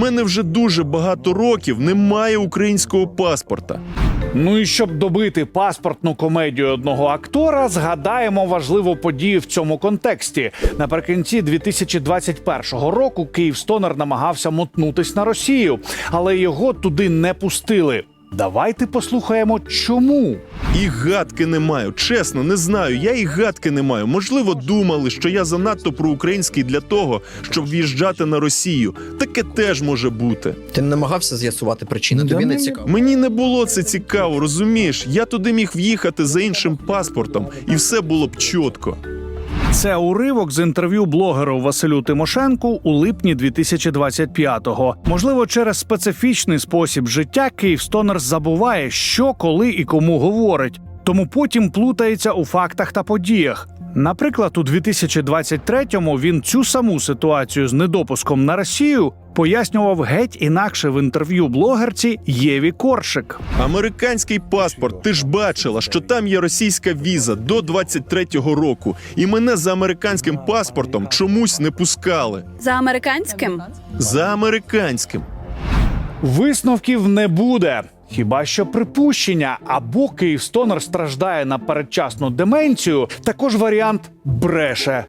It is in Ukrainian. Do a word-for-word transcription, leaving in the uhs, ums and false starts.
мене вже дуже багато років немає українського паспорта. Ну і щоб добити паспортну комедію одного актора, згадаємо важливу подію в цьому контексті. Наприкінці дві тисячі двадцять першого року Київстонер намагався мотнутись на Росію, але його туди не пустили. Давайте послухаємо, чому. І гадки не маю. Чесно, не знаю. Я і гадки не маю. Можливо, думали, що я занадто проукраїнський для того, щоб в'їжджати на Росію. Таке теж може бути. Ти не намагався з'ясувати причини, тобі не цікаво. Мені не було це цікаво, розумієш? Я туди міг в'їхати за іншим паспортом, і все було б чітко. Це уривок з інтерв'ю блогеру Василю Тимошенку у липні дві тисячі двадцять п'ятого. Можливо, через специфічний спосіб життя Київстонер забуває, що, коли і кому говорить. Тому потім плутається у фактах та подіях. Наприклад, у дві тисячі двадцять третьому він цю саму ситуацію з недопуском на Росію пояснював геть інакше в інтерв'ю блогерці Єві Коршик. Американський паспорт, ти ж бачила, що там є російська віза до двадцять третього року. І мене за американським паспортом чомусь не пускали. За американським? За американським. Висновків не буде. Хіба що припущення, або Київстонер страждає на передчасну деменцію, також варіант бреше.